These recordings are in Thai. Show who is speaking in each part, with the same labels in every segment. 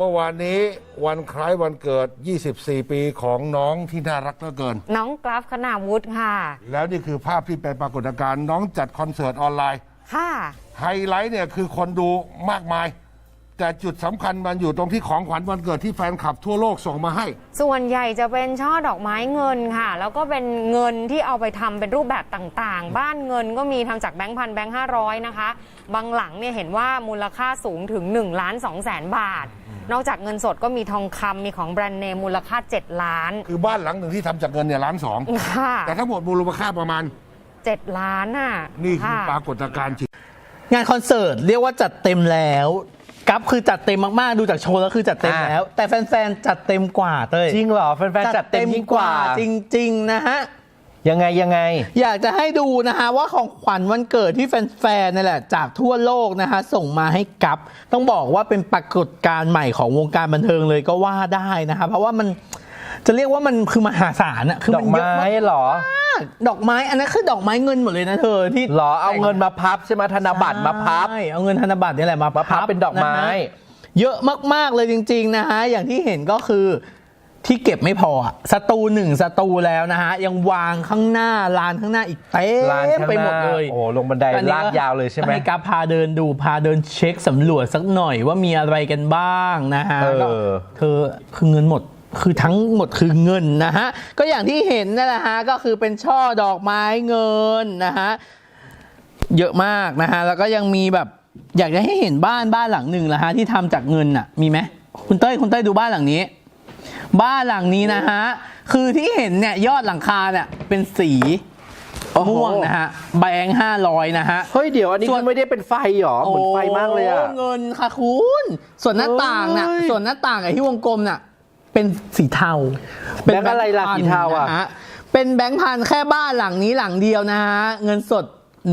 Speaker 1: มื่อวานนี้วันคล้ายวันเกิด 24 ปีของน้องที่น่ารักเหลือเกิน
Speaker 2: น้องกราฟคณาวุฒิค่ะ
Speaker 1: แล้วนี่คือภาพที่เป็นปรากฏการณ์น้องจัดคอนเสิร์ตออนไลน์
Speaker 2: ค่ะ
Speaker 1: ไฮไลท์เนี่ยคือคนดูมากมายแต่จุดสำคัญมันอยู่ตรงที่ของขวัญวันเกิดที่แฟนคลับทั่วโลกส่งมาให้
Speaker 2: ส่วนใหญ่จะเป็นช่อดอกไม้เงินค่ะแล้วก็เป็นเงินที่เอาไปทำเป็นรูปแบบต่างๆบ้านเงินก็มีทำจากแบงค์พันแบงค์500นะคะบางหลังเนี่ยเห็นว่ามูลค่าสูงถึง1,200,000 บาทนอกจากเงินสดก็มีทองคำมีของแบรนด์เนมมูลค่า7 ล้าน
Speaker 1: คือบ้านหลังหนึ่งที่ทำจากเงินเนี่ย1,200,000
Speaker 2: ค่ะ
Speaker 1: แต่ทั้งหมดมูลค่าประมาณ
Speaker 2: 7 ล้านน่ะ
Speaker 1: นี่คือปรากฏการณ์จริง
Speaker 3: งานคอนเสิร์ตเรียกว่าจัดเต็มแล้วกัฟคือจัดเต็มมากๆดูจากโชว์แล้วคือจัดเต็มแล้วแต่แฟนๆจัดเต็มกว่าเต้ย
Speaker 4: จริงเหรอแฟนๆจัดเต็มยิ่งกว่า
Speaker 3: จริงๆนะฮะ
Speaker 4: ยังไง
Speaker 3: อยากจะให้ดูนะฮะว่าของขวัญวันเกิดที่แฟนๆนี่แหละจากทั่วโลกนะฮะส่งมาให้กัฟต้องบอกว่าเป็นปรากฏการณ์ใหม่ของวงการบันเทิงเลยก็ว่าได้นะฮะเพราะว่ามันจะเรียกว่ามันคือมหาศาลอะคือ
Speaker 4: ดอกไม้เหรอ
Speaker 3: ดอกไม้อันนั้นคือดอกไม้เงินหมดเลยนะเธอที่
Speaker 4: หรอเอาเงินมาพับใช่ไหมธนบัตรมาพับ
Speaker 3: ใช่เอาเงินธนบัตรนี่แหละมา
Speaker 4: พับเป็นดอกไม้
Speaker 3: เยอะมากๆเลยจริงๆนะฮะอย่างที่เห็นก็คือที่เก็บไม่พอสตู1 สตูแล้วนะฮะยังวางข้างหน้าลานข้างหน้าอีกเต็มไปหมดเลย
Speaker 4: โอ้ลงบันไดลากยาวเลยใช่ไหม
Speaker 3: ให้กัฟพาเดินดูพาเดินเช็คสำรวจสักหน่อยว่ามีอะไรกันบ้างนะฮะเธอคือเงินหมดคือทั้งหมดคือเงินนะฮะก็อย่างที่เห็นนั่นแหละฮะก็คือเป็นช่อดอกไม้เงินนะฮะเยอะมากนะฮะแล้วก็ยังมีแบบอยากจะให้เห็นบ้านหลังหนึ่งละฮะที่ทำจากเงินอ่ะมีไหมคุณเต้ยดูบ้านหลังนี้นะฮะคือที่เห็นเนี่ยยอดหลังคาเนี่ยเป็นสีม่วงนะฮะแบงค์500นะฮะ
Speaker 4: เฮ้ยเดี๋ยวอันนี้ไม่ได้เป็นไฟหรอเหมือนไฟมากเลยอะ
Speaker 3: เงินค่ะคุณส่วนหน้าต่างน่ะไอ้ที่วงกลมน่ะเป็นสีเทา
Speaker 4: แบงค์อะไรล่ะสีเทาอ่ะ
Speaker 3: เป็นแบงค์พันแค่บ้านหลังนี้หลังเดียวนะฮะเงินสด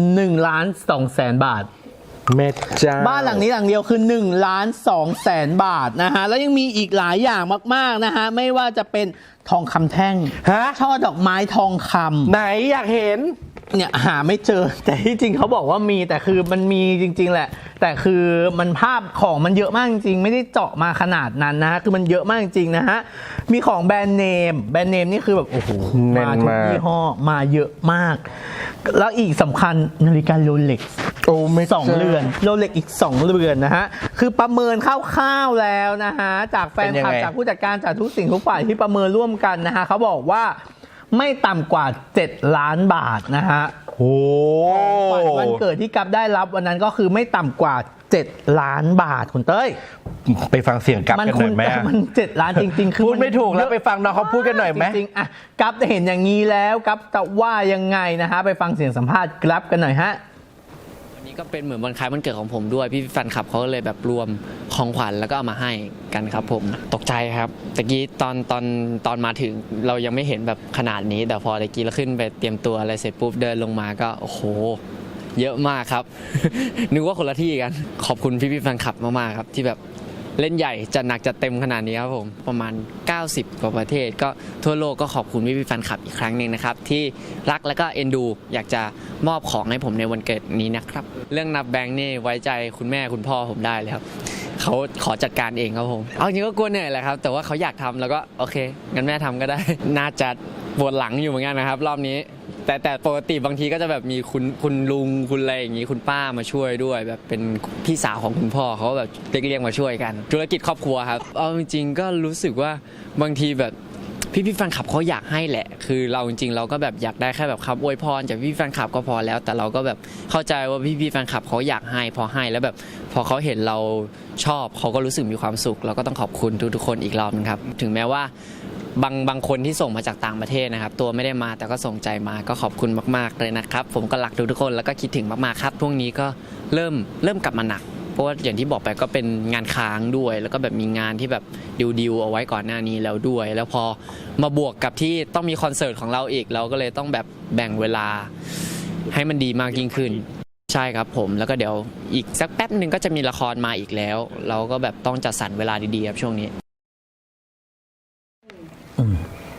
Speaker 3: 1,200,000 บาท
Speaker 4: แม่จ้า
Speaker 3: บ้านหลังนี้หลังเดียวคือ1,200,000 บาทนะฮะแล้วยังมีอีกหลายอย่างมากๆนะฮะไม่ว่าจะเป็นทองคำแท่งช่อดอกไม้ทองคำ
Speaker 4: ไหนอยากเห็น
Speaker 3: เนี่ยหาไม่เจอแต่ที่จริงเขาบอกว่ามีแต่คือมันมีจริงๆแหละแต่คือมันภาพของมันเยอะมากจริงๆไม่ได้เจาะมาขนาดนั้นนะฮะคือมันเยอะมากจริงๆนะฮะมีของแบรนด์เนมนี่คือแบบโอ้โหมาทุกยี่ห้อมาเยอะมากแล้วอีกสำคัญนาฬิกาโรเล็กซ์ไม่2 เรือนโรเล็กอีก2 เรือนนะฮะคือประเมินคร่าวๆแล้วนะฮะจากแฟนคลับจากผู้จัดการจากทุกสิ่งทุกฝ่ายที่ประเมินร่วมกันนะฮะเขาบอกว่าไม่ต่ำกว่า7 ล้านบาทนะฮะ
Speaker 4: โอ้
Speaker 3: วันเกิดที่กัฟได้รับวันนั้นก็คือไม่ต่ำกว่า7 ล้านบาทคุณเต้ย
Speaker 4: ไปฟังเสียงกัฟกันหน่อยไหม
Speaker 3: มัน7 ล้านจริงๆคือ
Speaker 4: พูดไม่ถูกแล้วไปฟังน้องเขาพูดกันหน่อยไหม
Speaker 3: จริงๆอ่ะกัฟเห็นอย่างนี้แล้วกัฟจะว่ายังไงนะฮะไปฟังเสียงสัมภาษณ์กัฟกันหน่อยฮะ
Speaker 5: ก็เป็นเหมือนวันคล้ายวันเกิดของผมด้วยพี่แฟนคลับเขาเลยแบบรวมของขวัญแล้วก็เอามาให้กันครับผมตกใจครับตะกี้ตอนมาถึงเรายังไม่เห็นแบบขนาดนี้แต่พอตะกี้เราขึ้นไปเตรียมตัวอะไรเสร็จปุ๊บเดินลงมาก็โอ้โหเยอะมากครับ นึกว่าคนละที่กันขอบคุณพี่แฟนคลับมากๆครับที่แบบเล่นใหญ่จัดหนักจัดเต็มขนาดนี้ครับผมประมาณ90 กว่าประเทศก็ทั่วโลกก็ขอบคุณพี่แฟนคลับอีกครั้งหนึ่งนะครับที่รักและก็เอ็นดูอยากจะมอบของให้ผมในวันเกิดนี้นะครับเรื่องนับแบงค์นี่ไว้ใจคุณแม่คุณพ่อผมได้เลยครับเขาขอจัดการเองครับผมเอาจริงก็กลัวเหนื่อยแหละครับแต่ว่าเขาอยากทำแล้วก็โอเคงั้นแม่ทำก็ได้น่าจะปวดหลังอยู่เหมือนกันนะครับรอบนี้แต่ปกติบางทีก็จะแบบมีคุณลุงคุณอะไรอย่างนี้คุณป้ามาช่วยด้วยแบบเป็นพี่สาวของคุณพ่อเขาแบบเรียกมาช่วยกันธุรกิจครอบครัวครับเอาจริงๆก็รู้สึกว่าบางทีแบบพี่แฟนคลับเขาอยากให้แหละคือเราจริงๆเราก็แบบอยากได้แค่แบบคำอวยพรจากพี่แฟนคลับก็พอแล้วแต่เราก็แบบเข้าใจว่าพี่แฟนคลับเขาอยากให้พอให้แล้วแบบพอเขาเห็นเราชอบเขาก็รู้สึกมีความสุขเราก็ต้องขอบคุณทุกคนอีกรอบนึงครับถึงแม้ว่าบางคนที่ส่งมาจากต่างประเทศนะครับตัวไม่ได้มาแต่ก็ส่งใจมาก็ขอบคุณมากๆเลยนะครับผมก็รักทุกคนแล้วก็คิดถึงมากๆครับพวกนี้ก็เริ่มกลับมาหนักเพราะว่าอย่างที่บอกไปก็เป็นงานค้างด้วยแล้วก็แบบมีงานที่แบบดิวเอาไว้ก่อนหน้านี้แล้วด้วยแล้วพอมาบวกกับที่ต้องมีคอนเสิร์ตของเราอีกเราก็เลยต้องแบบแบ่งเวลาให้มันดีมากยิ่งขึ้นใช่ครับผมแล้วก็เดี๋ยวอีกสักแป๊บนึงก็จะมีละครมาอีกแล้วเราก็แบบต้องจัดสรรเวลาดีๆครับช่วงนี้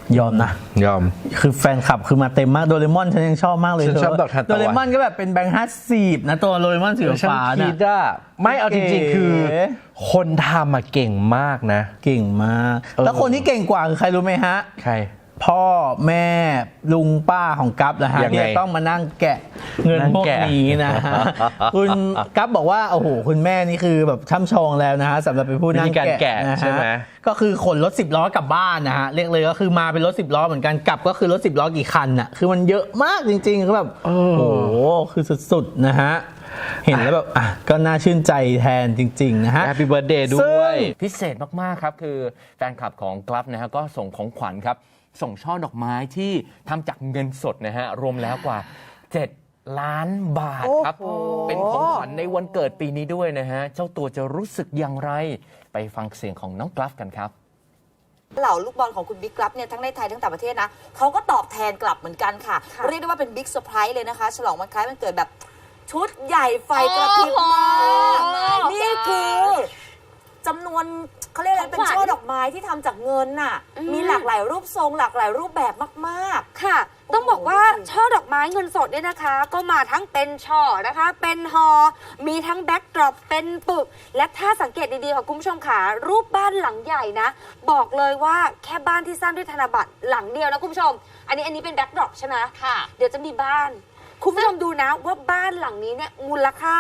Speaker 3: ยอมนะ
Speaker 4: ยอม
Speaker 3: คือแฟนคลับคือมาเต็มมากโดเรมอนฉันยังชอบมากเลย
Speaker 4: ฉันชอบดอกทานตะวัน
Speaker 3: โดเรมอนก็แบบเป็นแบงค์50นะตัวโดเรมอนสี
Speaker 4: ฉัน
Speaker 3: ฟ้า
Speaker 4: คิ
Speaker 3: น่ะ
Speaker 4: ดอะไม่เอาจริงๆ คือ
Speaker 3: เก๋
Speaker 4: คนทำมาเก่งมากนะ
Speaker 3: เก่งมาก แล้วคนที่เก่งกว่าคือใครรู้ไหมฮะ
Speaker 4: ใคร
Speaker 3: พ่อแม่ลุงป้าของกัฟนะฮะ
Speaker 4: ยังไง
Speaker 3: ที่จะต้องมานั่งแกะเงิน
Speaker 4: นั่ง
Speaker 3: พวก
Speaker 4: แกะ
Speaker 3: นี้นะฮะ คุณกัฟบอกว่าโอ้โหคุณแม่นี่คือแบบช่ำชองแล้วนะฮะสำหรับเป็นผู้นั่ง
Speaker 4: วิธีการแกะ
Speaker 3: นะ
Speaker 4: ใช่ไหม
Speaker 3: ฮะก็คือขนรถ10 ล้อกลับบ้านนะฮะเรียกเลยก็คือมาเป็นรถ10 ล้อเหมือนกันกลับก็คือรถ10 ล้อกี่คันน่ะคือมันเยอะมากจริงๆคือแบบโอ้โหคือสุดๆนะฮะเห็นแล้วแบบอ่ะก็น่าชื่นใจแทนจริงๆนะฮะ
Speaker 4: แฮปปี้เบิร์ดเดย์ด้วย
Speaker 6: พิเศษมากๆครับคือแฟนคลับของกลัฟนะฮะก็ส่งของขวัญครับส่งช่อดอกไม้ที่ทำจากเงินสดนะฮะรวมแล้วกว่า 7 ล้านบาทครับเป็นของขวัญในวันเกิดปีนี้ด้วยนะฮะเจ้าตัวจะรู้สึกอย่างไรไปฟังเสียงของน้องกลัฟกันครับ
Speaker 7: เหล่าลูกบอลของคุณบิ๊กกลับเนี่ยทั้งในไทยทั้งต่างประเทศนะเขาก็ตอบแทนกลับเหมือนกันค่ะ เรียกได้ว่าเป็นบิ๊กเซอร์ไพรส์เลยนะคะ ฉลองวันคล้ายวันเกิดแบบชุดใหญ่ไฟกระพริบมากนี่คือจำนวนเขาเรียกอะไรเป็นช่อดอกไม้ที่ทำจากเงินน่ะมีหลากหลายรูปทรงหลากหลายรูปแบบมากๆ
Speaker 8: ค่ะ ต้องบอกว่าช่อดอกไม้เงินสดเนี่ยนะคะ ก็มาทั้งเป็นช่อนะคะ เป็นฮอมีทั้งแบ็กดรอปเป็นปึก และถ้าสังเกตดีๆค่ะคุณผู้ชมค่ะรูปบ้านหลังใหญ่นะ บอกเลยว่าแค่บ้านที่สร้างด้วยธนบัตรหลังเดียวนะคุณผู้ชม อันนี้เป็นแบ็กดรอปใช่ไหมค่ะ เดี๋ยวจะมีบ้าน คุณผู้ชมดูนะว่าบ้านหลังนี้เนี่ยมูลค่า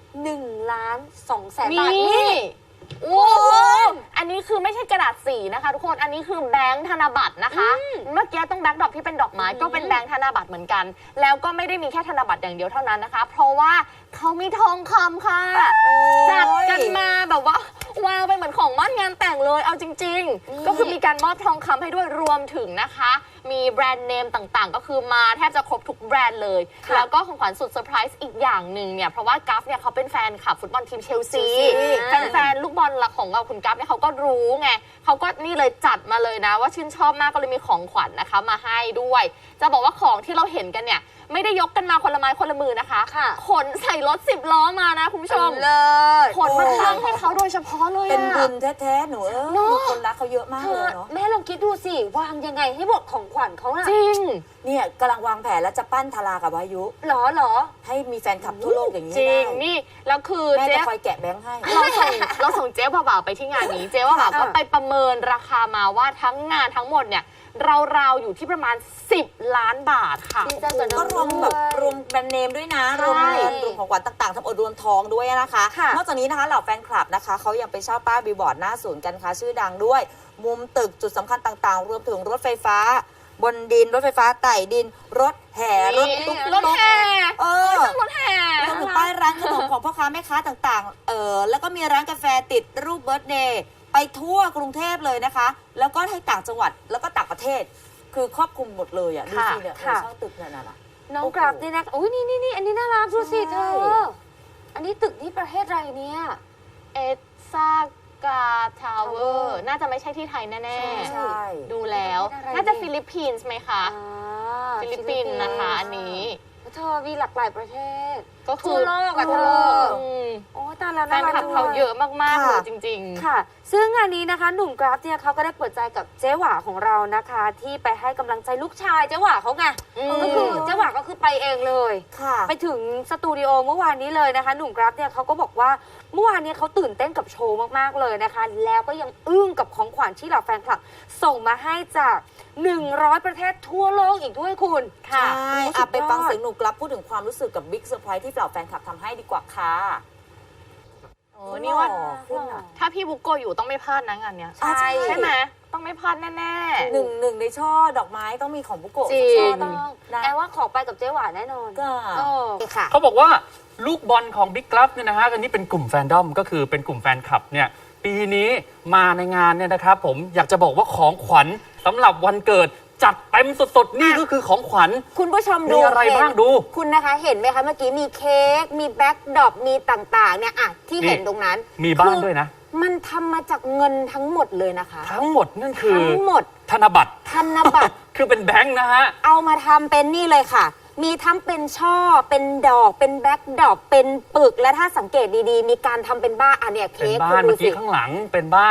Speaker 8: 1,200,000 บาทนี่
Speaker 9: โอ้โหอันนี้คือไม่ใช่กระดาษสีนะคะทุกคน อันนี้คือแบงค์ธนบัตรนะคะ เมื่อกี้ต้องแบ็คดรอปที่เป็นดอกไม้ก็เป็นแบงค์ธนบัตรเหมือนกัน แล้วก็ไม่ได้มีแค่ธนบัตรอย่างเดียวเท่านั้นนะคะ เพราะว่าเขามีทองคำค่ะ จัดกันมาแบบว่าวางไปเหมือนของมั่นงานแต่งเลย เอาจริง ๆ ก็คือมีการมอบทองคำให้ด้วยรวมถึงนะคะ มีแบรนด์เนมต่างๆ ก็คือมาแทบจะครบทุกแบรนด์เลย แล้วก็ของขวัญสุดเซอร์ไพรส์อีกอย่างหนึ่งเนี่ยเพราะว่ากัฟเนี่ยเขาเป็นแฟนคลับฟุตบอลทีมเชลซี แฟนๆลูกบอลหลักของเราคุณกัฟเนี่ยเขาก็รู้ไงเขาก็นี่เลยจัดมาเลยนะว่าชื่นชอบมากก็เลยมีของขวัญนะคะมาให้ด้วย จะบอกว่าของที่เราเห็นกันเนี่ยไม่ได้ยกกันมาคนละไม้คนละมือนะคะขนใส่รถ10 ล้อมานะคุณผู้ชม
Speaker 8: เลย
Speaker 9: ขนมาทั้งให้เขาโดยเฉพาะเลย
Speaker 7: เป็นบุ
Speaker 9: อะ
Speaker 7: ญแท้ๆหนูมีคนรักเขาเยอะมากเลยเนาะ
Speaker 8: แม่ลองคิดดูสิวางยังไงให้หมดของขวัญเขาน่ะ
Speaker 9: จริง
Speaker 7: เนี่ยกำลังวางแผนแล้วจะปั้นทารากับวายุ
Speaker 8: หรอ
Speaker 7: ให้มีแฟนคลับทั่วโลกอย่างนี้
Speaker 9: จริง
Speaker 7: ให้ได้
Speaker 9: นี่แล้วคือ
Speaker 7: แม่
Speaker 9: เจ๊
Speaker 7: จะคอยแกะแบงค์ให้
Speaker 9: เราส่งเจ๊บ่าวๆไปที่งานนี้ เจ๊บ่าวๆก็ไปประเมินราคามาว่าทั้งงานทั้งหมดเนี่ยราวๆอยู่ที่ประมาณ10 ล้านบาทค่ะ
Speaker 8: ดีใจกับน้
Speaker 7: ก็
Speaker 8: อง
Speaker 7: รวมแบบรวมแบรนด์เนมด้วยนะ รวมเงินรวมของขวัญต่างๆทั้งหมดรวมทองด้วยนะคะ
Speaker 8: ค่ะ
Speaker 7: นอกจากนี้นะคะเหล่าแฟนคลับนะคะเขายังไปเช่าป้ายบิลบอร์ดหน้าศูนย์การค้าชื่อดังด้วย มุมตึกจุดสำคัญต่างๆ รวมถึงรถไฟฟ้า บนดินรถไฟฟ้าไต่ดิน รถแห่รถตุ๊ก
Speaker 9: รถแห่
Speaker 7: รถแห่รวมถึงป้ายร้านขนมของพ่อค้าแม่ค้าต่างๆแล้วก็มีร้านกาแฟติดรูปเบิร์ธเดย์ไปทั่วกรุงเทพเลยนะคะ แล้วก็ให้ต่างจังหวัดแล้วก็ต่างประเทศ คือครอบคลุมหมดเลยอ่ะดูสิเนี่ยเช่าตึกเนี่ยนะ
Speaker 8: น้องกราฟนี่นะอุ้ยนี่อันนี้น่ารักดูสิเธอ อันนี้ตึกที่ประเทศอะไรเนี่ย
Speaker 9: เอซากาทาวเวอร์น่าจะไม่ใช่ที่ไทยแน่
Speaker 7: ใช่
Speaker 9: ๆ ดูแล้ว
Speaker 8: ประเทศอะไร
Speaker 9: น่าจะฟิลิปปินส์ไหมคะ
Speaker 8: อ่า
Speaker 9: ฟิลิปปินส์นะคะอันนี้
Speaker 8: แล้วเธอมีหลากหลายประเทศ
Speaker 9: ก็คือ
Speaker 8: ทั่วโลกอะ
Speaker 9: ทั่วโลก
Speaker 8: เธอ โอ้ตายแล้ว
Speaker 9: แฟนคลับเขาเยอะมากๆเลยจริง
Speaker 8: ค่ะ ซึ่งงานนี้นะคะหนุ่มกราฟเนี่ยเขาก็ได้เปิดใจกับเจ๊หว่าของเรานะคะ ที่ไปให้กำลังใจลูกชายเจ๊หว่าเขาไง ก็คือเจ๊หว่าก็คือไปเองเลย
Speaker 7: ค่ะ
Speaker 8: ไปถึงสตูดิโอเมื่อวานนี้เลยนะคะ หนุ่มกราฟเนี่ยเขาก็บอกว่าเมื่อวานนี้เขาตื่นเต้นกับโชว์มากๆเลยนะคะ แล้วก็ยังอึ้งกับของขวัญที่เหล่าแฟนคลับส่งมาให้จาก100 ประเทศทั่วโลกอีกด้วยคุณ
Speaker 7: ใช่
Speaker 8: โอ้สุดยอด
Speaker 7: ไปฟังเสียงหนูกลับพูดถึงความรู้สึกกับบิ๊กเซอร์ไพรส์ที่เหล่าแฟนคลับทำให้ดีกว่าค่ะ
Speaker 9: ๆ โอ้นี่ว่า
Speaker 7: หล่อขึ้นอะ
Speaker 9: ถ้าพี่บุ๊กโกอยู่ต้องไม่พลาดนะงานเนี้ย
Speaker 7: ใช่
Speaker 9: ใช่ไหมต้องไม่พลาดแน่
Speaker 7: หนึ่งในช่อดอกไม้ต้องมีของบุโกะ
Speaker 9: จริง
Speaker 7: ช่อ
Speaker 8: ต้
Speaker 7: ต้
Speaker 8: อ
Speaker 7: อง งนะ
Speaker 8: แอลว่าขอไปกับเจ๊หวานแน่นอน
Speaker 7: ก็
Speaker 8: โอ้ค่ะ
Speaker 6: เขาบอกว่าลูกบอลของบิ๊กกลัฟเนี่ยนะฮะอันนี้เป็นกลุ่มแฟนดอมก็คือเป็นกลุ่มแฟนคลับเนี่ยปีนี้มาในงานเนี่ยนะครับผมอยากจะบอกว่าของขวัญสำหรับวันเกิดจัดเต็มสดๆนี่ก็คือของขวัญ
Speaker 8: คุณผู้ชมดู
Speaker 6: มีอะไรบ้างดู
Speaker 8: คุณนะคะเห็นไหมคะเมื่อกี้มีเค้กมีแบ็คดรอปมีต่างๆเนี่ยอะที่เห็นตรงนั้น
Speaker 6: มีบ้านด้วยนะ
Speaker 8: มันทำมาจากเงินทั้งหมดเลยนะคะ
Speaker 6: ทั้งหมดนั่นคือ
Speaker 8: ทั้งหมด
Speaker 6: ธนบัตร
Speaker 8: ธนบัตร
Speaker 6: คือเป็นแบงค์นะฮะ
Speaker 8: เอามาทำเป็นนี่เลยค่ะ มีทั้งเป็นช่อเป็นดอกเป็นแบ็คดรอปเป็นปึกและถ้าสังเกตดีๆ มีการทำเป็นบ้านอันเนี้ย
Speaker 6: เป็
Speaker 8: เค้
Speaker 6: น
Speaker 8: ก
Speaker 6: บ้า
Speaker 8: คุ
Speaker 6: น
Speaker 8: ณดู
Speaker 6: เมื่อ
Speaker 8: สิ
Speaker 6: กี้ข้างหลังเป็นบ้าน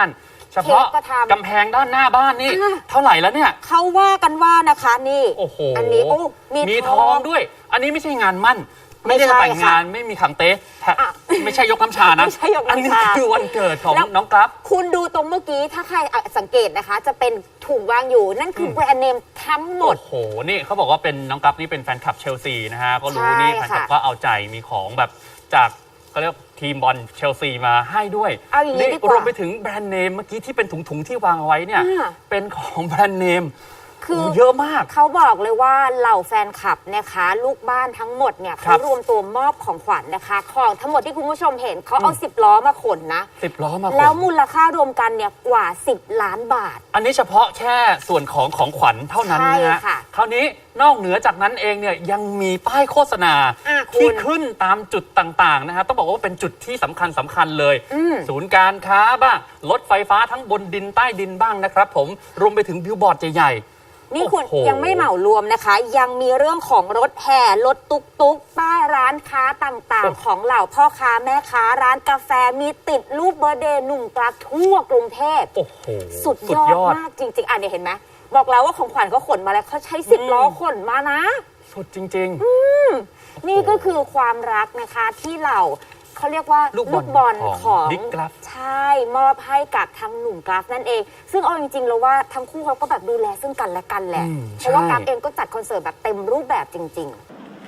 Speaker 10: เฉพาะ
Speaker 8: เค้กก็ทำ
Speaker 10: กำแพงด้านหน้าบ้านนี่
Speaker 8: อ่ะ
Speaker 10: เท่าไหร่แล้วเนี่ย
Speaker 8: เขาว่ากันว่านะคะนี่
Speaker 10: โอ้โห
Speaker 8: อันนี้โอ้
Speaker 10: มีทองด้วย อันนี้ไม่ใช่งานมั่น
Speaker 8: ไม่
Speaker 10: ไม่
Speaker 8: ใช่
Speaker 10: ได้แต่งงาน
Speaker 8: ค่ะ
Speaker 10: ไม่มีขังเต๊ะ
Speaker 8: อ่ะ
Speaker 10: ไม่ใช่ยกน้ำชานะ
Speaker 8: ไม่ใช่ยกน้ำชา
Speaker 10: อันนี้คือวันเกิดของ
Speaker 8: แล้ว
Speaker 10: น้องกราฟ
Speaker 8: คุณดูตรงเมื่อกี้ถ้าใครสังเกตนะคะ จะเป็นถุงวางอยู่นั่นคือแบรนด์เนมทั้งหมด
Speaker 10: โอ้โห นี่เขาบอกว่าเป็นน้องกราฟนี่เป็นแฟนคลับเชลซีนะฮะ ก็รู้
Speaker 8: ใช่
Speaker 10: นี่แฟนคลับ
Speaker 8: ค่ะ
Speaker 10: ก็เอาใจมีของแบบจากเขาเรียกทีมบอลเชลซีมาให้ด้วย
Speaker 8: เอาอย่างนี้ดีกว่า
Speaker 10: รวมไปถึงแบรนด์เนมเมื่อกี้ที่เป็นถุงๆที่วางเอาไว้เนี่ย
Speaker 8: อ่า
Speaker 10: เป็นของแบรนด์เนม
Speaker 8: คือ
Speaker 10: โอ้เยอะมาก
Speaker 8: เขาบอกเลยว่าเหล่าแฟนคลับนะคะลูกบ้านทั้งหมดเนี่ย
Speaker 10: ครั
Speaker 8: เขา
Speaker 10: บ
Speaker 8: รวมตัวมอบของขวัญนะคะ ของทั้งหมดที่คุณผู้ชมเห็นเขาเอา10 ล้อมาขนนะ
Speaker 10: 10 ล้อมาขน
Speaker 8: แล้วมูลค่ารวมกันเนี่ยกว่า10 ล้านบาท
Speaker 10: อันนี้เฉพาะแค่ส่วนของขวัญเท่านั้น
Speaker 8: ใช่
Speaker 10: นะฮะ
Speaker 8: ค่ะ
Speaker 10: คราวนี้นอกเหนือจากนั้นเองเนี่ยยังมีป้ายโฆษณา
Speaker 8: คุณ
Speaker 10: ที่ขึ้นตามจุดต่างๆนะฮะต้องบอกว่าเป็นจุดที่สำคัญเลย ศูนย์การค้าบ้างรถไฟฟ้าทั้งบนดินใต้ดินบ้างนะครับผมรวมไปถึงบิลบอร์ดใหญ่ๆ
Speaker 8: นี่คุณ
Speaker 10: โอ้โห
Speaker 8: ยังไม่เหมารวมนะคะ ยังมีเรื่องของรถแห่รถตุกป้ายร้านค้าต่างๆ ของเหล่าพ่อค้าแม่ค้าร้านกาแฟมีติดรูปเบอร์เดย์หนุ่มกราฟทั่วกรุงเทพ
Speaker 10: โอ้โห
Speaker 8: สุดยอดมากจริงๆเนี่ยเห็นไหมบอกแล้วว่าของขวัญเขาขนมาแล้วเขาใช้10 ล้อขนมานะ
Speaker 10: สุดจริง
Speaker 8: นี่ก็คือความรักนะคะที่เหล่าเขาเรียกว่า
Speaker 10: ลูกบอลของบิ๊กกราฟ
Speaker 8: ใช่มอบให้กับทางหนุ่มกราฟนั่นเอง ซึ่งเอาจริงๆแล้วว่าทั้งคู่เขาก็แบบดูแลซึ่งกันและกันแหละ เพราะว่ากราฟเองก็จัดคอนเสิร์ตแบบเต็มรูปแบบจริง ๆ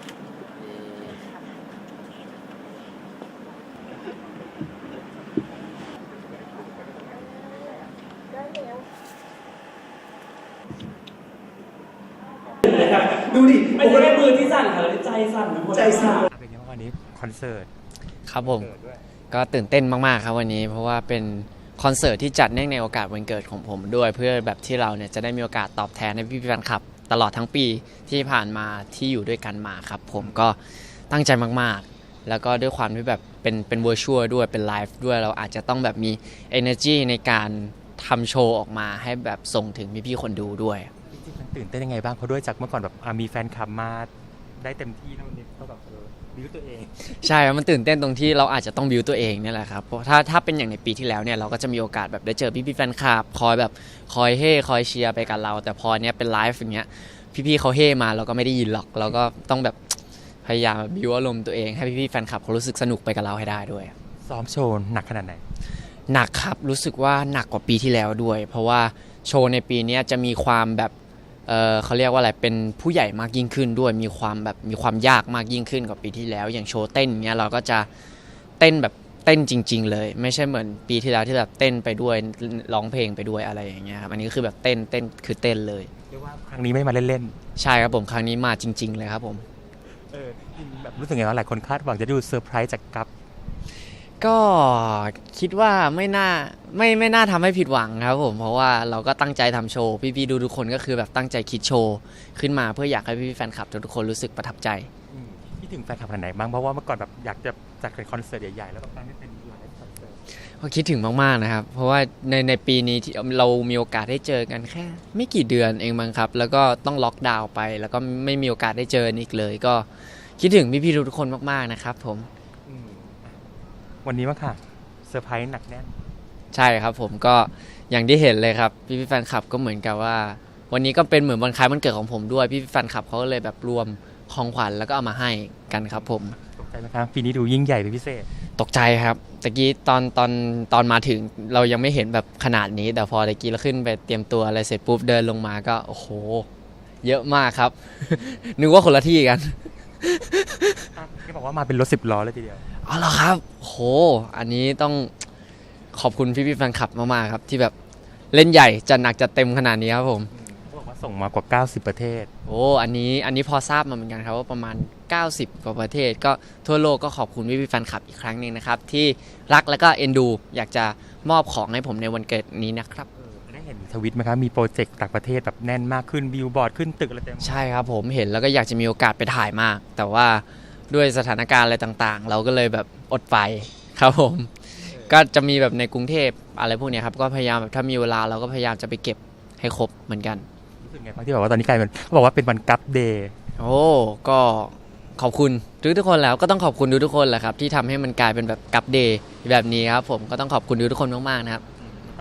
Speaker 11: ดูดิไม่ใช่แค่มือที่สั่นค่ะใจสั่นไปหมดใจสั่น
Speaker 4: เป็นยังไงวันนี้คอนเสิร์ต
Speaker 5: ครับผมก็ตื่นเต้นมากๆครับวันนี้เพราะว่าเป็นคอนเสิร์ตที่จัดเนื่องในโอกาสวันเกิดของผมด้วยเพื่อแบบที่เราเนี่ยจะได้มีโอกาสตอบแทนให้พี่แฟนคลับตลอดทั้งปีที่ผ่านมาที่อยู่ด้วยกันมาครับผมก็ตั้งใจมากๆแล้วก็ด้วยความที่แบบเป็นเวอร์ชวลด้วยเป็นไลฟ์ด้วยเราอาจจะต้องแบบมี energy ในการทำโชว์ออกมาให้แบบส่งถึงพี่ๆคนดูด้วย
Speaker 4: จริงๆมันตื่นเต้นยังไงบ้างเพราะด้วยจากเมื่อก่อนแบบมีแฟนคลับมาได้เต็มที่แล้ววันนี้ก็แบบบิวตัวเอง
Speaker 5: ใช่ครับมันตื่นเต้นตรงที่เราอาจจะต้องบิวตัวเองเนี่ยแหละครับเพราะถ้าเป็นอย่างในปีที่แล้วเนี่ยเราก็จะมีโอกาสแบบได้เจอพี่ๆแฟนคลับคอยเฮ่คอยเชียร์ไปกับเราแต่พอเนี้ยเป็นไลฟ์อย่างเงี้ยพี่ๆเขาเฮ่มาเราก็ไม่ได้ยินหรอกเราก็ต้องแบบพยายามบิวอารมณ์ตัวเองให้พี่ๆแฟนคลับเขารู้สึกสนุกไปกับเราให้ได้ด้วย
Speaker 4: ซ้อมโชว์หนักขนาดไหน
Speaker 5: หนักครับรู้สึกว่าหนักกว่าปีที่แล้วด้วย เพราะว่าโชว์ในปีนี้จะมีความแบบเขาเรียกว่าอะไรเป็นผู้ใหญ่มากยิ่งขึ้นด้วยมีความยากมากยิ่งขึ้นกว่าปีที่แล้วอย่างโชว์เต้นเนี้ยเราก็จะเต้นแบบเต้นจริงๆเลยไม่ใช่เหมือนปีที่แล้วที่แบบเต้นไปด้วยร้องเพลงไปด้วยอะไรอย่างเงี้ยครับอันนี้ก็คือแบบเต้นคือเต้นเลย
Speaker 4: เรียกว่าครั้งนี้ไม่มาเล่น
Speaker 5: ใช่ครับผมครั้งนี้มาจริง ๆเลยครับผม
Speaker 4: ๆแบบรู้สึกไงว่าหลายคนคาดหวังจะดูเซอร์ไพรส์จากกัฟ
Speaker 5: ก็คิดว่าไม่น่าทำให้ผิดหวังครับผมเพราะว่าเราก็ตั้งใจทำโชว์พี่ๆดูทุกคนก็คือแบบตั้งใจคิดโชว์ขึ้นมาเพื่ออยากให้พี่ๆแฟนคลับทุกคนรู้สึกประทับใจ
Speaker 4: คิดถึงแฟนคลับขนาดไหนบ้างเพราะว่าเมื่อก่อนแบบอยากจะจัดเป็นคอนเสิร์ตใหญ่ๆแล้วแบบตั้งให้เป็นหลายคอนเสิร์ต
Speaker 5: ก็คิดถึงมากๆนะครับเพราะว่าในปีนี้ที่เรามีโอกาสได้เจอกันแค่ไม่กี่เดือนเองมั้งครับแล้วก็ต้องล็อกดาวน์ไปแล้วก็ไม่มีโอกาสได้เจออีกเลยก็คิดถึงพี่ๆทุกคนมากๆนะครับผม
Speaker 4: วันนี้มั้งค่ะเซอร์ไพรส์หนักแน่น
Speaker 5: ใช่ครับผมก็อย่างที่เห็นเลยครับพี่แฟนคลับก็เหมือนกับว่าวันนี้ก็เป็นเหมือนวันคล้ายวันเกิดของผมด้วยพี่แฟนคลับเขาก็เลยแบบรวมของขวัญแล้วก็เอามาให้กันครับผม
Speaker 4: ตกใจไหมครับปีนี้ดูยิ่งใหญ่เป็นพิเศษ
Speaker 5: ตกใจครับตะกี้ตอนมาถึงเรายังไม่เห็นแบบขนาดนี้แต่พอตะกี้เราขึ้นไปเตรียมตัวอะไรเสร็จปุ๊บเดินลงมาก็โอ้โหเยอะมากครับ นึกว่าคนละที่กัน
Speaker 4: ที่บอกว่ามาเป็นรถ10 ล้อเลยทีเดียว
Speaker 5: อ๋อเหรอครับโหอันนี้ต้องขอบคุณพี่ๆแฟนคลับมากๆครับที่แบบเล่นใหญ่จัดหนักจัดเต็มขนาดนี้ครับผม
Speaker 4: เขาบอกว่าส่งมากว่า90ประเทศ
Speaker 5: โอ้อันนี้พอทราบมาเหมือนกันครับว่าประมาณ90กว่าประเทศก็ทั่วโลกก็ขอบคุณพี่ๆแฟนคลับอีกครั้งหนึ่งนะครับที่รักและก็เอ็นดูอยากจะมอบของให้ผมในวันเกิดนี้นะครับ
Speaker 4: ได้เห็นทวิตไหมครับมีโปรเจกต์ต่างประเทศแบบแน่นมากขึ้นบิลบอร์ดขึ้นตึกอะไรเต็ม
Speaker 5: ใช่ครับผมเห็นแล้วก็อยากจะมีโอกาสไปถ่ายมาก แต่ว่าด้วยสถานการณ์อะไรต่างๆ เราก็เลยแบบอดไปครับผมก็จะมีแบบในกรุงเทพอะไรพวกนี้ครับก็พยายามแบบถ้ามีเวลาเราก็พยายามจะไปเก็บให้ครบเหมือนกัน
Speaker 4: รู้สึกไงบ้างที่แบบว่าตอนนี้กลายเป็นเขาบอกว่าเป็นวันกัฟเดย์
Speaker 5: โอ้ก็ขอบคุณทุกคนแล้วก็ต้องขอบคุณทุกคนแหละครับที่ทำให้มันกลายเป็นแบบกัฟเดย์แบบนี้ครับผมก็ต้องขอบคุณทุกคนมากๆนะครับ
Speaker 4: ต้อง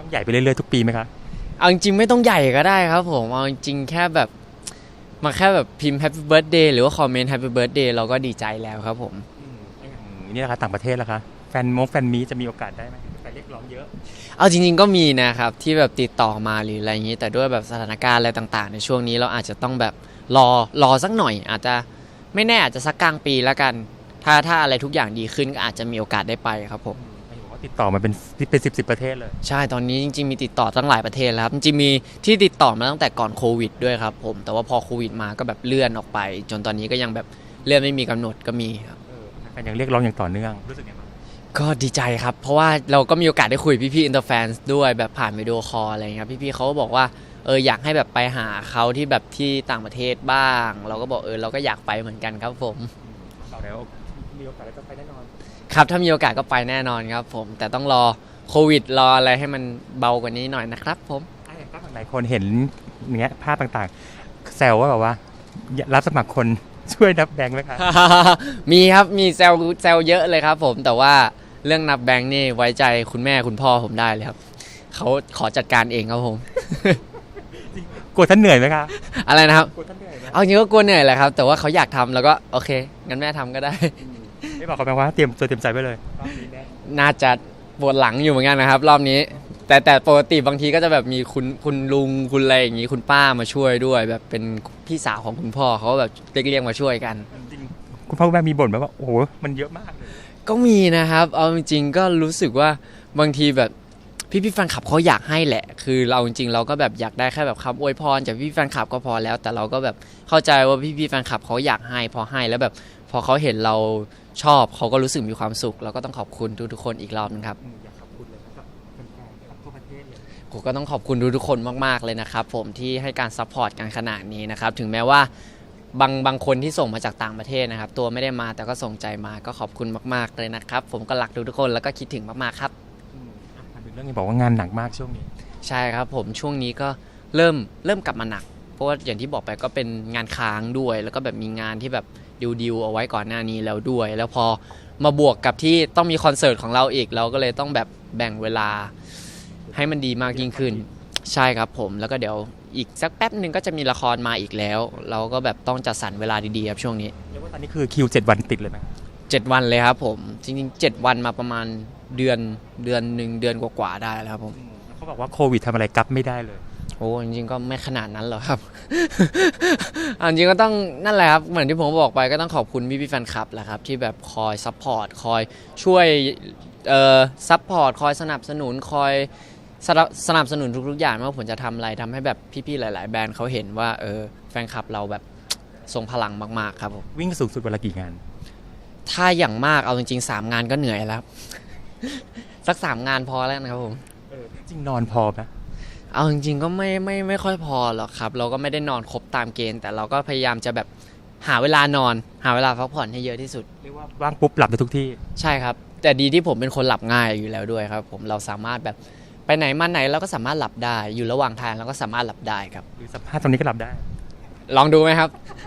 Speaker 4: ใหญ่ไปเรื่อยๆทุกปีไหมครับ
Speaker 5: เอาจริงๆไม่ต้องใหญ่ก็ได้ครับผมเอาจริงๆแค่แบบมาแค่แบบพิมพ์ Happy Birthday หรือว่าคอมเมนต์ Happy Birthday เราก็ดีใจแล้วครับผม
Speaker 4: นี่นะคะต่างประเทศล่ะคะแฟนมีจะมีโอกาสได้ไหมแฟนเรียกร้องเยอะ
Speaker 5: เอาจริงๆก็มีนะครับที่แบบติดต่อมาหรืออะไรอย่างนี้แต่ด้วยแบบสถานการณ์อะไรต่างๆในช่วงนี้เราอาจจะต้องแบบรอสักหน่อยอาจจะไม่แน่อาจจะสักกลางปีแล้วกันถ้าอะไรทุกอย่างดีขึ้นก็อาจจะมีโอกาสได้ไปครับผม
Speaker 4: ติดต่อมาเป็น10ประเทศเลย
Speaker 5: ใช่ตอนนี้จริงๆมีติดต่อตั้งหลายประเทศแล้วครับจริงๆมีที่ติดต่อมาตั้งแต่ก่อนโควิดด้วยครับผมแต่ว่าพอโควิดมาก็แบบเลื่อนออกไปจนตอนนี้ก็ยังแบบเลื่อนไม่มีกำหนดก็มีครับ
Speaker 4: แฟนยังเรียกร้องอย่างต่อเนื่องรู้สึกไงบ้าง
Speaker 5: ก็ดีใจครับเพราะว่าเราก็มีโอกาสได้คุยพี่ๆอินเตอร์แฟนด้วยแบบผ่านวิดีโอคอลอะไรเงี้ยพี่ๆเขาก็บอกว่าอยากให้แบบไปหาเขาที่แบบที่ต่างประเทศบ้างเราก็บอกเราก็อยากไปเหมือนกันครับผม
Speaker 4: แล้วมีโอกาสก็ไปแน่นอน
Speaker 5: ครับถ้ามีโอกาสก็ไปแน่นอนครับผมแต่ต้องรอโควิดรออะไรให้มันเบากว่านี้หน่อยนะครับผม
Speaker 4: หลายคนเห็นเนี้ยภาพต่างๆแซวว่าแบบว่ารับสมัครคนช่วยนับแบงค์ไหมครับ
Speaker 5: มีครับมีแซวเยอะเลยครับผมแต่ว่าเรื่องนับแบงค์นี่ไว้ใจคุณแม่คุณพ่อผมได้เลยครับเขาขอจัดการเองครับผม
Speaker 4: กลัวท่านเหนื่อยไหมครับ
Speaker 5: อะไรนะครับเอาจริงก็กลัวเหนื่อยแหละครับแต่ว่าเขาอยากทำแล้วก็โอเคงั้นแม่ทำก็ได้
Speaker 4: ไม่บอกเขาไหมว่าเตรียมใจไว้เลย
Speaker 5: น่าจะปวดหลังอยู่เหมือนกันนะครับรอบนี้แต่ปกติบางทีก็จะแบบมีคุณลุงคุณอะไรอย่างนี้คุณป้ามาช่วยด้วยแบบเป็นพี่สาวของคุณพ่อเขาแบบเรียกมาช่วยกัน
Speaker 4: คุณพ่อคุณแม่มีบ่นไหมว่าโอ้โหมันเยอะมาก
Speaker 5: ก็มีนะครับเอาจริงๆก็รู้สึกว่าบางทีแบบพี่แฟนคลับเขาอยากให้แหละคือเราจริงๆเราก็แบบอยากได้แค่แบบคำอวยพรจากพี่แฟนคลับก็พอแล้วแต่เราก็แบบเข้าใจว่าพี่แฟนคลับเขาอยากให้พอให้แล้วแบบพอเขาเห็นเราชอบเขาก็รู้สึกมีความสุขเราก็ต้องขอบคุณทุกๆคนอีกรอบนึงครับ
Speaker 4: อยากขอบคุณเลยนะครับแฟนๆทั่วประเทศเลย
Speaker 5: ผมก็ต้องขอบคุณทุกๆคนมากๆเลยนะครับผมที่ให้การซัพพอร์ตกันขนาดนี้นะครับถึงแม้ว่าบางคนที่ส่งมาจากต่างประเทศนะครับตัวไม่ได้มาแต่ก็ส่งใจมาก็ขอบคุณมากๆเลยนะครับผมก็รักทุกๆคนแล้วก็คิดถึงมากๆครับ
Speaker 4: เรื่องนี้บอกว่างานหนักมากช่วงนี้
Speaker 5: ใช่ครับผมช่วงนี้ก็เริ่มกลับมาหนักเพราะว่าอย่างที่บอกไปก็เป็นงานค้างด้วยแล้วก็แบบมีงานที่แบบดิวเอาไว้ก่อนหน้านี้แล้วด้วยแล้วพอมาบวกกับที่ต้องมีคอนเสิร์ตของเราอีกเราก็เลยต้องแบบแบ่งเวลาให้มันดีมากยิ่งขึ้นใช่ครับผมแล้วก็เดี๋ยวอีกสักแป๊บนึงก็จะมีละครมาอีกแล้วเราก็แบบต้องจัดสรรเวลาดีๆครับช่วงนี้
Speaker 4: เรียกว่าตอนนี้คือคิว7 วันติดเลยไหม
Speaker 5: 7 วันเลยครับผมจริงๆ7 วันมาประมาณเดือนนึงเดือนกว่าๆได้แล้วครับผม
Speaker 4: เขาบอกว่าโควิดทำอะไรกั๊บไม่ได้เลย
Speaker 5: โอ้จริงๆก็ไม่ขนาดนั้นหรอกครับ จริงๆก็ต้องนั่นแหละครับเหมือนที่ผมบอกไปก็ต้องขอบคุณพี่แฟนคลับแหละครับที่แบบคอยซัพพอร์ตคอยช่วยซัพพอร์ตคอยสนับสนุนคอยสนับสนุนทุกๆอย่างไม่ว่าผมจะทำอะไรทำให้แบบพี่ๆหลายๆแบรนด์เขาเห็นว่าแฟนคลับเราแบบทรงพลังมากๆครับผม
Speaker 4: วิ่งสูงสุดวันละกี่งาน
Speaker 5: ถ้าอย่างมากเอาจริงๆ3 งานก็เหนื่อยแล้วสัก3 งานพอแล้วนะครับผม
Speaker 4: จริงนอนพอไหม
Speaker 5: เอาจริงๆก็ไม่ค่อยพอหรอกครับเราก็ไม่ได้นอนครบตามเกณฑ์แต่เราก็พยายามจะแบบหาเวลานอนหาเวลาพักผ่อนให้เยอะที่สุด
Speaker 4: เรียกว่าว่างปุ๊บหลับได้ทุกที่
Speaker 5: ใช่ครับแต่ดีที่ผมเป็นคนหลับง่ายอยู่แล้วด้วยครับผมเราสามารถแบบไปไหนมาไหนเราก็สามารถหลับได้อยู่ระหว่างทางเราก็สามารถหลับได้ครับ
Speaker 4: หรือสัมภาษณ์ตรงนี้ก็หลับได้
Speaker 5: ลองดูไหมครับ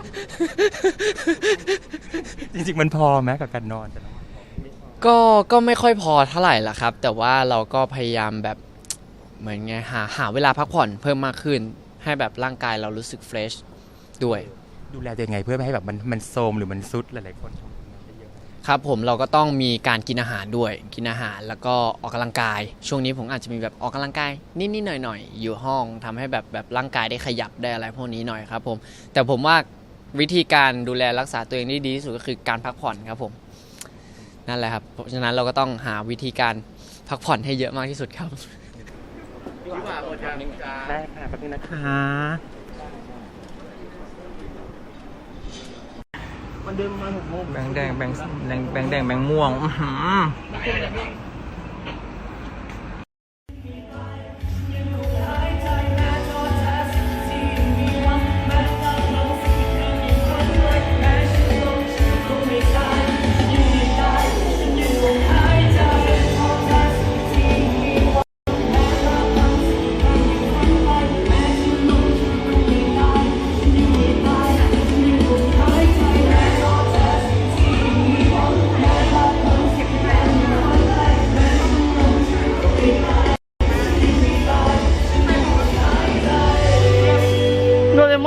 Speaker 4: จริงๆมันพอไหมกับการนอน
Speaker 5: ก็ไม่ค่อยพอเท่าไหร่ละครับแต่ว่าเราก็พยายามแบบเหมือนไงหาเวลาพักผ่อนเพิ่มมากขึ้นให้แบบร่างกายเรารู้สึกเฟรชด้วย
Speaker 4: ดูแลตัวเองไงเพื่อไม่ให้แบบมันโทรมหรือมันซุดหลายๆคน
Speaker 5: ครับผมเราก็ต้องมีการกินอาหารด้วยกินอาหารแล้วก็ออกกำลังกายช่วงนี้ผมอาจจะมีแบบออกกำลังกายนิดๆหน่อยๆอยู่ห้องทำให้แบบร่างกายได้ขยับได้อะไรพวกนี้หน่อยครับผมแต่ผมว่าวิธีการดูแลรักษาตัวเองที่ดีที่สุดก็คือการพักผ่อนครับผมนั่นแหละครับเพราะฉะนั้นเราก็ต้องหาวิธีการพักผ่อนให้เยอะมากที่สุดครับ
Speaker 4: ได้ค่ะแป๊บนึงนะคะมันเดินมา6 โมง
Speaker 3: แบงแดงแบงแบงม่วง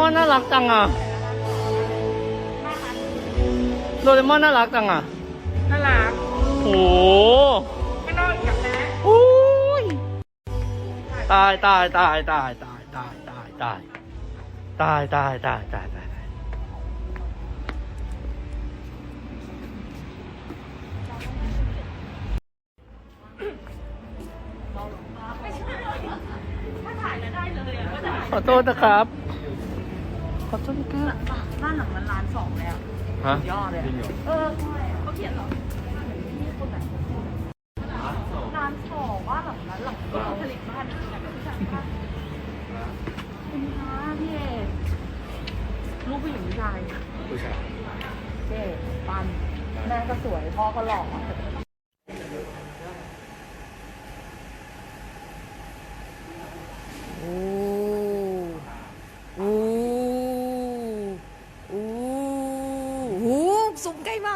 Speaker 3: อนน่ารักจังอ่ะโดเรมอนน่ารักจังอ่ะน่ารักโอ้ไม่นอนกับนะอุ้ยตายขอโทษนะครับขอโทษนะครับบ้านหลังมันล้านสองแล้วฮะยอดเลยเขาเขียนหรอล้านสองว่าหลังนั้นหลังเขาผลิตบ้านคุณคะพี่เอกลูกผู้หญิงผู้ชายเจ๊ปันแม่ก็สวยพ่อก็หล่อ
Speaker 7: สูงใกล้มาก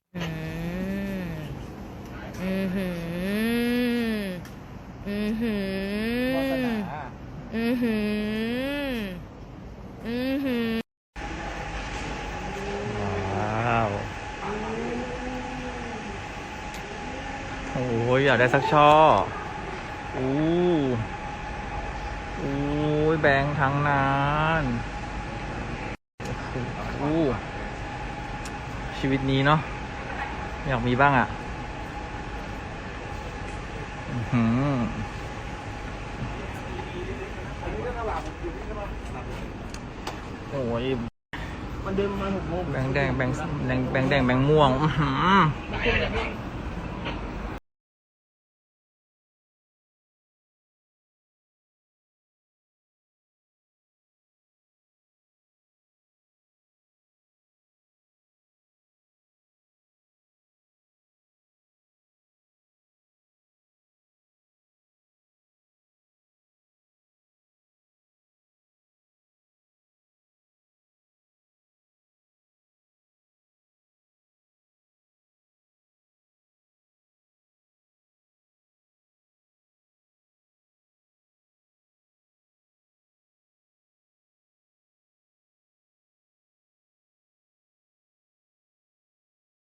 Speaker 3: ว้าวโอ้ยอยากได้สักช่ออู้ยแบงค์ทั้งนั้นโอ้ชีวิตนี้เนาะอยากมีบ้างอ่ะโอ้ยมันเดินมา6 โมงแบงค์แดงแบงค์ม่วง